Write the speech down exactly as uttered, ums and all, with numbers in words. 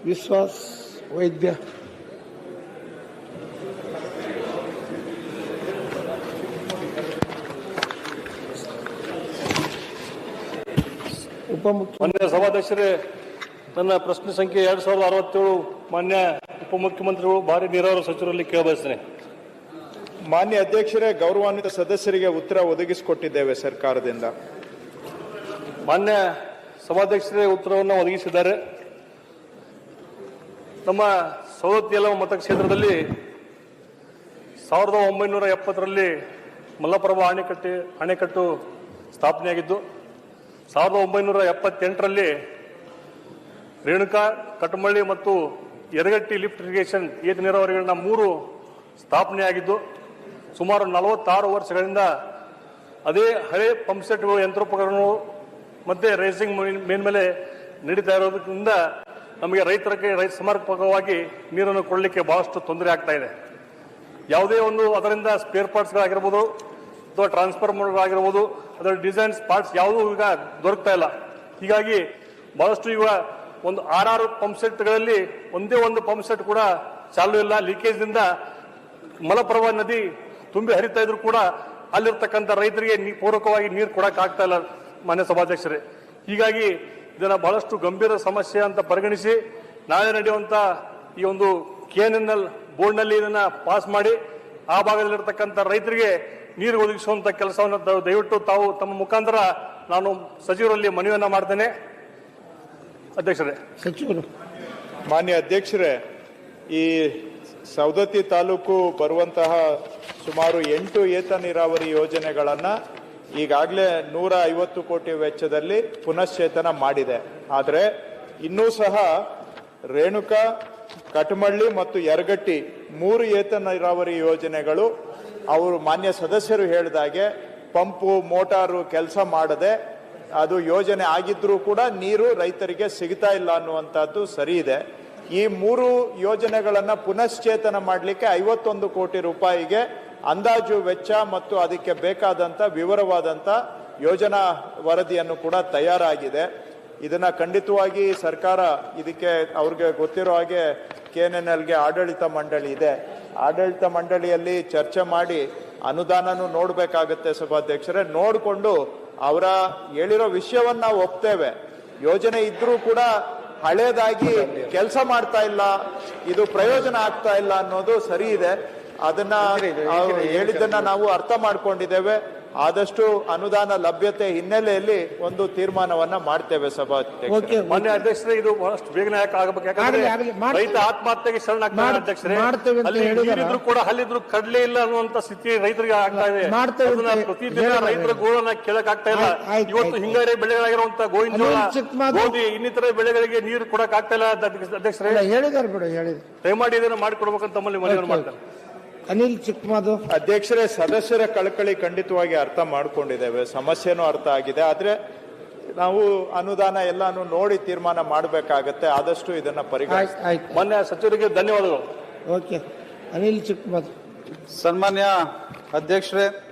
ವಿಶ್ವಾಸ್ ವೈದ್ಯ. ಮಾನ್ಯ ಸಭಾಧ್ಯಕ್ಷರೇ, ನನ್ನ ಪ್ರಶ್ನೆ ಸಂಖ್ಯೆ ಎರಡ್ ಸಾವಿರದ ಅರವತ್ತೇಳು ಮಾನ್ಯ ಉಪಮುಖ್ಯಮಂತ್ರಿಗಳು ಭಾರಿ ನೀರಾವರಿ ಸಚಿವರಲ್ಲಿ ಕೇಳಬಯಸ್ತೇನೆ. ಮಾನ್ಯ ಅಧ್ಯಕ್ಷರೇ, ಗೌರವಾನ್ವಿತ ಸದಸ್ಯರಿಗೆ ಉತ್ತರ ಒದಗಿಸಿಕೊಟ್ಟಿದ್ದೇವೆ ಸರ್ಕಾರದಿಂದ. ಮಾನ್ಯ ಸಭಾಧ್ಯಕ್ಷರೇ ಉತ್ತರವನ್ನು ಒದಗಿಸಿದ್ದಾರೆ. ನಮ್ಮ ಸವದತ್ತಿ ಯಲಹಂಕ ಮತಕ್ಷೇತ್ರದಲ್ಲಿ ಸಾವಿರದ ಒಂಬೈನೂರ ಎಪ್ಪತ್ತರಲ್ಲಿ ಮಲ್ಲಪ್ರಭಾ ಅಣೆಕಟ್ಟೆ ಅಣೆಕಟ್ಟು ಸ್ಥಾಪನೆಯಾಗಿದ್ದು, ಸಾವಿರದ ಒಂಬೈನೂರ ಎಪ್ಪತ್ತೆಂಟರಲ್ಲಿ ರೇಣುಕಾ, ಕಟಮಳ್ಳಿ ಮತ್ತು ಯರಗಟ್ಟಿ ಲಿಫ್ಟ್ ಇರಿಗೇಷನ್ ಏತ ನೀರಾವರಿಗಳನ್ನ ಮೂರು ಸ್ಥಾಪನೆಯಾಗಿದ್ದು, ಸುಮಾರು ನಲವತ್ತಾರು ವರ್ಷಗಳಿಂದ ಅದೇ ಹಳೆ ಪಂಪ್ಸೆಟ್ಗಳು, ಯಂತ್ರೋಪಕರಣಗಳು ಮತ್ತೆ ರೈಸಿಂಗ್ ಮೇಲ್ಮೇಲೆ ನಡೀತಾ ಇರೋದ್ರಿಂದ ನಮಗೆ ರೈತರಿಗೆ ರೈತ ಸಮರ್ಪಕವಾಗಿ ನೀರನ್ನು ಕೊಡಲಿಕ್ಕೆ ಬಹಳಷ್ಟು ತೊಂದರೆ ಆಗ್ತಾ ಇದೆ. ಯಾವುದೇ ಒಂದು ಅದರಿಂದ ಸ್ಪೇರ್ ಪಾರ್ಟ್ಸ್ಗಳಾಗಿರ್ಬೋದು ಅಥವಾ ಟ್ರಾನ್ಸ್ಫಾರ್ಮರ್ಗಳಾಗಿರ್ಬೋದು, ಅದರ ಡಿಸೈನ್ಸ್ ಪಾರ್ಟ್ಸ್ ಯಾವುದೂ ಈಗ ದೊರಕ್ತಾ ಇಲ್ಲ. ಹೀಗಾಗಿ ಬಹಳಷ್ಟು ಈಗ ಒಂದು ಆರಾರು ಪಂಪ್ ಸೆಟ್ಗಳಲ್ಲಿ ಒಂದೇ ಒಂದು ಪಂಪ್ ಸೆಟ್ ಕೂಡ ಚಾಲೂ ಇಲ್ಲ. ಲೀಕೇಜ್ನಿಂದ ಮಲಪ್ರಭಾ ನದಿ ತುಂಬಿ ಹರಿತಾ ಇದ್ರು ಕೂಡ ಅಲ್ಲಿರ್ತಕ್ಕಂಥ ರೈತರಿಗೆ ಪೂರಕವಾಗಿ ನೀರು ಕೊಡಕ್ಕೆ ಆಗ್ತಾ ಇಲ್ಲ ಮಾನ್ಯ ಸಭಾಧ್ಯಕ್ಷರೇ. ಹೀಗಾಗಿ ಇದನ್ನ ಬಹಳಷ್ಟು ಗಂಭೀರ ಸಮಸ್ಯೆ ಅಂತ ಪರಿಗಣಿಸಿ ನಾಳೆ ನಡೆಯುವಂತ ಈ ಒಂದು ಕೆ ಎನ್ ಎನ್ ಎಲ್ ಬೋರ್ಡ್ನಲ್ಲಿ ಇದನ್ನ ಪಾಸ್ ಮಾಡಿ ಆ ಭಾಗದಲ್ಲಿರ್ತಕ್ಕಂಥ ರೈತರಿಗೆ ನೀರು ಒದಗಿಸುವಂತ ಕೆಲಸವನ್ನು ದಯವಿಟ್ಟು ತಾವು ತಮ್ಮ ಮುಖಾಂತರ ನಾನು ಸಚಿವರಲ್ಲಿ ಮನವಿಯನ್ನ ಮಾಡ್ತೇನೆ. ಅಧ್ಯಕ್ಷರೇ, ಸಚಿವರು. ಮಾನ್ಯ ಅಧ್ಯಕ್ಷರೇ, ಈ ಸವದತ್ತಿ ತಾಲೂಕು ಬರುವಂತಹ ಸುಮಾರು ಎಂಟು ಏತ ನೀರಾವರಿ ಯೋಜನೆಗಳನ್ನು ಈಗಾಗಲೇ ನೂರ ಐವತ್ತು ಕೋಟಿ ವೆಚ್ಚದಲ್ಲಿ ಪುನಶ್ಚೇತನ ಮಾಡಿದೆ. ಆದರೆ ಇನ್ನೂ ಸಹ ರೇಣುಕಾ, ಕಟಮಳ್ಳಿ ಮತ್ತು ಯರಗಟ್ಟಿ ಮೂರು ಏತ ನೀರಾವರಿ ಯೋಜನೆಗಳು ಅವರು ಮಾನ್ಯ ಸದಸ್ಯರು ಹೇಳಿದಾಗೆ ಪಂಪು ಮೋಟಾರು ಕೆಲಸ ಮಾಡದೆ ಅದು ಯೋಜನೆ ಆಗಿದ್ರೂ ಕೂಡ ನೀರು ರೈತರಿಗೆ ಸಿಗ್ತಾ ಇಲ್ಲ ಅನ್ನುವಂಥದ್ದು ಸರಿ ಇದೆ. ಈ ಮೂರು ಯೋಜನೆಗಳನ್ನು ಪುನಶ್ಚೇತನ ಮಾಡಲಿಕ್ಕೆ ಐವತ್ತೊಂದು ಕೋಟಿ ರೂಪಾಯಿಗೆ ಅಂದಾಜು ವೆಚ್ಚ ಮತ್ತು ಅದಕ್ಕೆ ಬೇಕಾದಂಥ ವಿವರವಾದಂಥ ಯೋಜನಾ ವರದಿಯನ್ನು ಕೂಡ ತಯಾರಾಗಿದೆ. ಇದನ್ನ ಖಂಡಿತವಾಗಿ ಸರ್ಕಾರ ಇದಕ್ಕೆ ಅವ್ರಿಗೆ ಗೊತ್ತಿರೋ ಹಾಗೆ ಕೆ ಎನ್ ಎನ್ ಎಲ್ಗೆ ಆಡಳಿತ ಮಂಡಳಿ ಇದೆ. ಆಡಳಿತ ಮಂಡಳಿಯಲ್ಲಿ ಚರ್ಚೆ ಮಾಡಿ ಅನುದಾನನೂ ನೋಡಬೇಕಾಗತ್ತೆ ಸಭಾಧ್ಯಕ್ಷರೇ. ನೋಡಿಕೊಂಡು ಅವರ ಹೇಳಿರೋ ವಿಷಯವನ್ನ ನಾವು ಒಪ್ತೇವೆ. ಯೋಜನೆ ಇದ್ರೂ ಕೂಡ ಹಳೇದಾಗಿ ಕೆಲಸ ಮಾಡ್ತಾ ಇಲ್ಲ, ಇದು ಪ್ರಯೋಜನ ಆಗ್ತಾ ಇಲ್ಲ ಅನ್ನೋದು ಸರಿ ಇದೆ. ಅದನ್ನ ಹೇಳಿದ್ದನ್ನ ನಾವು ಅರ್ಥ ಮಾಡ್ಕೊಂಡಿದ್ದೇವೆ. ಆದಷ್ಟು ಅನುದಾನ ಲಭ್ಯತೆ ಹಿನ್ನೆಲೆಯಲ್ಲಿ ಒಂದು ತೀರ್ಮಾನವನ್ನ ಮಾಡ್ತೇವೆ ಸಭಾಧ್ಯಕ್ಷರೇ. ಮಾನ್ಯ ಅಧ್ಯಕ್ಷರೇ, ಇದು ಬಹಳಷ್ಟು ಬೇಗನೆ ಆಗಬೇಕು. ಯಾಕಂದ್ರೆ ರೈತ ಆತ್ಮಹತ್ಯೆಗೆ ಶರಣಾಗ್ತಾರೆ ಅಧ್ಯಕ್ಷರೇ. ನೀರಿದ್ರು ಕೂಡ ಹಲ್ಲಿದ್ರು ಕಡ್ಲೆ ಇಲ್ಲ ಅನ್ನುವಂತ ಸ್ಥಿತಿ ರೈತರಿಗೆ ಆಗ್ತಾ ಇದೆ. ಪ್ರತಿದಿನ ರೈತರ ಗೋಳನ್ನ ಕೇಳಕ್ ಆಗ್ತಾ ಇಲ್ಲ. ಇವತ್ತು ಹಿಂಗಾರಿ ಬೆಳೆಗಳಾಗಿರುವಂತ ಗೋವಿನ ಜೋಳ, ಗೋಧಿ ಇನ್ನಿತರ ಬೆಳೆಗಳಿಗೆ ನೀರು ಕೊಡಕ್ ಆಗ್ತಾ ಇಲ್ಲ ಅಧ್ಯಕ್ಷರೇ. ಹೇಳಿದಾರೆ ಬಿಡು, ಹೇಳಿದ್ರು. ದಯಮಾಡಿ ಇದನ್ನು ಮಾಡಿಕೊಡ್ಬೇಕಂತ ತಮ್ಮಲ್ಲಿ ಮನವಿ ಮಾಡ್ತಾರೆ. ಅನಿಲ್ ಚಿಕ್ಕಮಾದು. ಅಧ್ಯಕ್ಷರೇ, ಸದಸ್ಯರ ಕಳಕಳಿ ಖಂಡಿತವಾಗಿ ಅರ್ಥ ಮಾಡ್ಕೊಂಡಿದ್ದೇವೆ, ಸಮಸ್ಯೆನೂ ಅರ್ಥ ಆಗಿದೆ. ಆದ್ರೆ ನಾವು ಅನುದಾನ ಎಲ್ಲಾನು ನೋಡಿ ತೀರ್ಮಾನ ಮಾಡಬೇಕಾಗತ್ತೆ. ಆದಷ್ಟು ಇದನ್ನ ಪರಿಗಣಿಸಿ. ಮಾನ್ಯ ಸಚಿವರಿಗೆ ಧನ್ಯವಾದಗಳು. ಓಕೆ, ಅನಿಲ್ ಚಿಕ್ಕಮಾದು. ಸನ್ಮಾನ್ಯ ಅಧ್ಯಕ್ಷರೇ,